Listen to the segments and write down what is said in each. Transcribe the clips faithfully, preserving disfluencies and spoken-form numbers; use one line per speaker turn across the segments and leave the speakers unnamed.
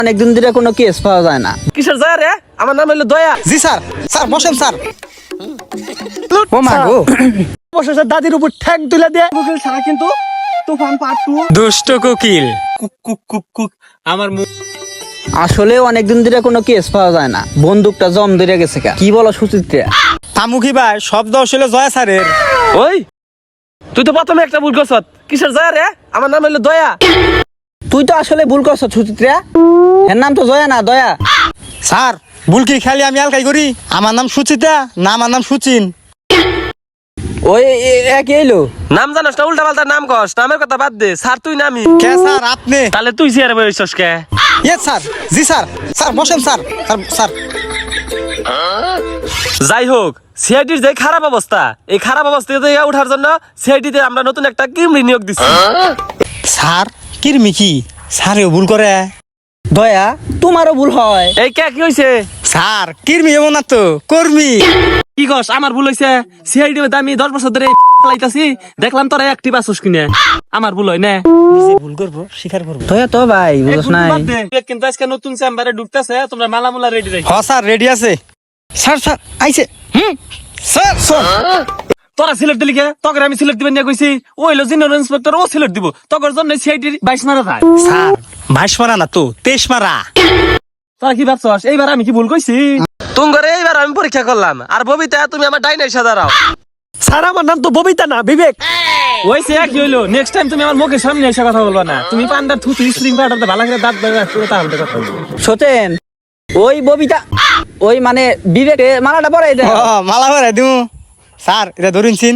অনেকদিন ধরে কোনো কেস পাওয়া যায় না।
কিসের যায় রে? আমার নাম হলো দয়া।
জি স্যার। স্যার বসেন স্যার।
ও মা গো,
অবশেষে দাদির উপর ঠ্যাং তুলে দিয়ে কোকিল ছাড়া কিন্তু তুফান পার্ট টু।
দুষ্ট কোকিল।
কুক কুক কুক কুক আমার মুখ।
আসলে অনেকদিন ধরে কোনো কেস পাওয়া যায় না। বন্দুকটা জম ধরে গেছে কা। কি বলো সুচিত্রা?
তামুখী ভাই শব্দ আসলে জয়া স্যারের।
ওই তুই তো প্রথমে একটা ভুল করছত। কিসের যায় রে? আমার নাম হলো দয়া।
তুই তো আসলে ভুল করছ সুচিত্রা। এর নাম তো জয়া না, দয়া।
স্যার ভুল কি খালি আমি আলকাই করি? আমার নাম সুচিতা না আমার নাম সুচিন।
ওই এ- এক এলো।
নাম জানোস না? উল্টা পাল্টা নাম কস। নামের কথা বাদ দে। স্যার তুই নামি।
কে স্যার আপনি?
তাহলে তুই চেয়ারে বসছস কে?
Yes sir. জি স্যার। স্যার বসেন স্যার। স্যার স্যার
যাই হোক, সিআইডির যে খারাপ অবস্থা, এই খারাপ অবস্থা থেকে ওঠার জন্য সিআইডিতে আমরা নতুন একটা কিমরি নিয়োগ দিচ্ছি।
স্যার কিরমি কি স্যারেও ভুল করে?
দয়া, তোমারও ভুল হয়।
এই কে কি হইছে?
স্যার কিরমি এমন না তো কর্মী।
কি কস? আমার ভুল হইছে। সিআইডি আমি দশ বছর ধরে লাইতাছি, দেখলাম তোরা অ্যাক্টিভ আছিস কিনে। আমার ভুল হয় না।
ভুল করবো স্বীকার করবো।
দয়া তো ভাই বুঝছ নাই।
কিন্তু আজকে নতুন চেম্বারে ঢুকতেছে, তোমরা মালামুলা রেডি রাখো।
হ স্যার রেডি আছে। স্যার স্যার আইছে। হুম স্যার স্যার
তোরা সিলেক্ট দিলি কে? তোকে আমি সিলেক্ট দিবেন নিয়ে কইছি। ও হইলো জেনারেল ইন্সপেক্টর, ও সিলেক্ট দিব। তোর জন্য সিআইডির বাইশ মারা যায়।
স্যার বাইশ মারা না তো তেইশ মারা।
তোরা কি ভাবছস এইবার আমি কি ভুল কইছি? তোমারে এইবার আমি পরীক্ষা করলাম, আর ববিতা তুমি আমার ডাইনে এসে দাঁড়াও।
স্যার আমার নাম তো ববিতা না, বিবেক।
ওইছে কি হইলো? নেক্সট টাইম তুমি আমার মুখের সামনে এসে কথা বলবা না। তুমি পান্ডার থুতু স্প্রিং পাউডারতে ভালো করে দাঁত বের করে তাহলে কথা বলবো।
সতেন, ওই ববিতা, ওই মানে বিবেকে মালাটা পরাই দে।
ও মালা ভরে দিমু। স্যার এটা ধরুন চিন।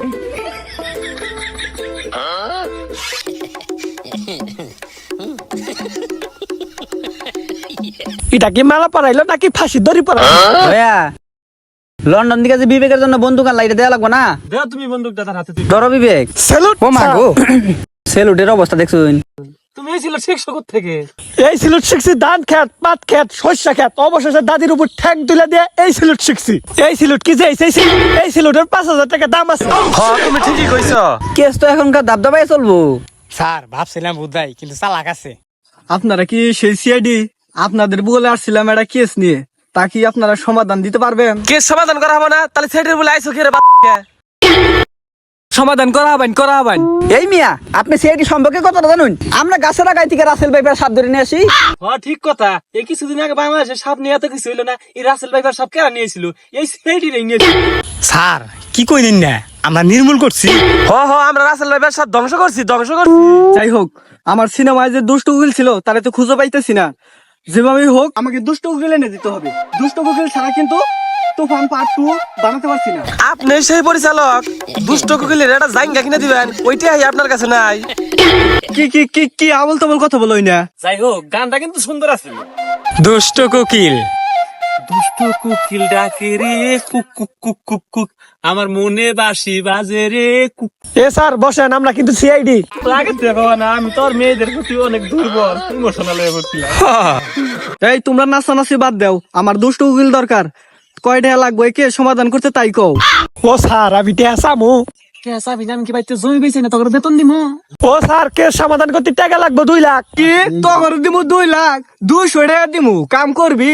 এটা কি মালা পরাইলো নাকি ফাঁসি দড়ি পরাইলো?
দয়া, লন্ডন দিকে যে বিবেকের জন্য বন্দুক আনলা, এটা দেয়া লাগবো না?
দেও তুমি বন্দুকটা তার হাতে।
ধরো বিবেক।
স্যালুট।
ও মা গো, সেলুটের অবস্থা দেখছুন?
তুমি এই ছিল শেখ শকত থেকে।
এই সিলুট শিখছি ধান খেত, পাট খেত, শস্য খেত। অবশেষে দাদির উপর ঠ্যাং তুলে দিয়ে এই সিলুট শিখছি। এই সিলুট কি যে এই সিলুট, এই সিলুটের পাঁচ হাজার টাকা দাম আছে।
হ্যাঁ তুমি ঠিকই কইছো।
কেস তো এখনকার দাবদাবাই চলবো।
স্যার ভাবছিলাম বুধাই কিন্তু চালাক আছে।
আপনারা কি সেই সিআইডি? আপনাদের বলে আসছিলাম একটা কেস নিয়ে, তা কি আপনারা সমাধান দিতে পারবেন?
কেস সমাধান করা হবে না? তাহলে সেটের বলে আইসো কি রে বাচ্চা?
সমাধান করা হবেন, করা হবেন।
এই মিয়া, আপনি সিআইডি সম্পর্কে কতটা জানুন? আমরা গাছের আগাই থেকে রাসেল ভাইপার সাপ ধরে নিয়ে আসি।
হ্যাঁ ঠিক কথা। এই কিছুদিন আগে বাংলাদেশে সাপ নিয়ে এত কিছু হইলো না। এই রাসেল ভাইপার সাপ কেরা নিয়েছিল? এই সিআইডি রে নিয়েছিল।
স্যার কি কইলেন না আমরা নির্মূল করছি।
হ হ আমরা রাসেল ভাইপার সাপ ধ্বংস করছি, ধ্বংস করছি।
যাই হোক, আমার সিনেমায় যে দুষ্ট উকিল ছিল তারে তো খুঁজে পাইতেছি না। যেভাবেই হোক আমাকে দুষ্ট উকিল এনে দিতে হবে। দুষ্ট উকিল ছাড়া কিন্তু তুফান পার্ট টু বানাতে পারছি না।
আপনি সেই পরিচালক, দুষ্ট কোকিলের একটা জাইঙ্গা কিনে দিবেন, ওইটাই আপনার কাছে নাই।
কি কি কি কি আবল তাবল কথা বলোই না।
যাই হোক, গানটা কিন্তু সুন্দর আছে।
দুষ্ট কোকিল।
দুষ্ট কোকিল ডাকে রে কুক কুক কুক কুক কুক, আমার মনে বাঁশি বাজে রে কুক।
এ স্যার বসেন, আমরা কিন্তু সিআইডি।
লাগে দেখো না, আমি তোর মেয়েদের প্রতি অনেক দুর্বল, ইমোশনাল হয়ে পড়ছিলাম।
এই তোমরা নাচানাচি বাদ দাও, আমার দুষ্ট উকিল দরকার। কয় টাকা লাগবে কে সমাধান করতে তাই কও। ও স্যার আমি টাকা চামু।
কেসা বিজান কি বাইতে জমি বেচে না, তোর বেতন দিমু।
ও স্যার কে সমাধান করতে টাকা লাগবে দুই লাখ। কি তোর দিমু দুই লাখ? দুইশো টাকা দিমু, কাম করবি?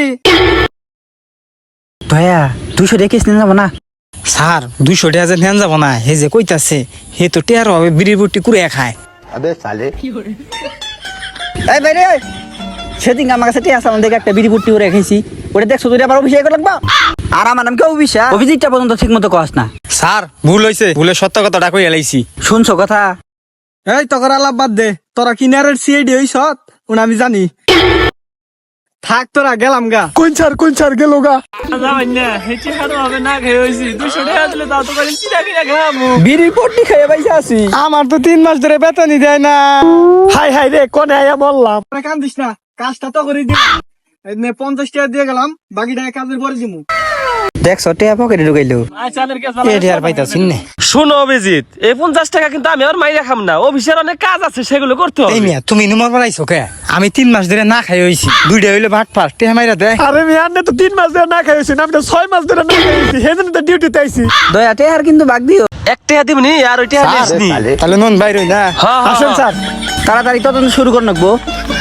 দয়া, দুইশো টাকা কেস নিয়ে যাবো না?
স্যার দুইশো টাকা যে নেন যাব না, হে যে কইতাছে হে তো টেয়ার হবে বিড়ির বুটি কুড়ে খায়।
এই বাইরে, সেদিন আমার কাছে টিয়া সামান থেকে একটা বিড়ি পুট্টি করে রেখেছি, ওটা দেখছো তুই আবার অভিষেক লাগবা? আর আমার নাম কি অভিষেক? অভিজিৎটা পর্যন্ত ঠিক মতো কস না।
স্যার ভুল হয়েছে, ভুলে সত্য কথাটা কই এলাইছি।
শুনছো কথা?
এই তকর আলাপ বাদ দে, তোরা কিনারের সিআইডি হইছ ওনা আমি জানি। থাক তোরা গেলাম গা। কোন স্যার কোন স্যার গেল গা।
যাবেন না, হেঁটে হারো হবে না খেয়ে হয়েছি। দুশো টাকা দিলে তাও তো করে চিরা কিনা খাবো।
বিড়ি পুট্টি খেয়ে বাইসা আছি।
আমার তো তিন মাস ধরে বেতনই দেয় না। হাই হাই রে, কোনে আয়া বললাম। কান্দিস না, কাজটা তো করে দিলাম। এই পঞ্চাশ টাকা দিয়ে গেলাম, বাকি টাকা কাজের পরে দিমু।
দেখছো টিয়া পকেটে ঢুকাইলো।
এ টেয়ার পাইতাছিন না।
শোনো অভিজিৎ, এই পঞ্চাশ টাকা কিন্তু আমি আর মাইরা খাম না। অফিসের অনেক কাজ আছে, সেগুলো করতে
এই
হবে।
মিয়া তুমি নুমার বাড়াইছো কে? আমি তিন মাস ধরে না খাই হইছি, দুইটা হইলে ভাট ফাট টেহা মাইরা দেয়।
আরে মিয়া আপনি তো তিন মাস ধরে না খাইছি, আমি তো ছয় মাস ধরে না খাইছি, সেদিন তো ডিউটিতে আইছি।
দয়া টেহার কিন্তু বাগ দিও।
এক টাকা দিবনি আর ওই টাকা দিসনি।
তাহলে নন বাইর হই না।
হ্যাঁ
আসেন স্যার।
তাড়াতাড়ি তদন্ত শুরু করে নাকবো।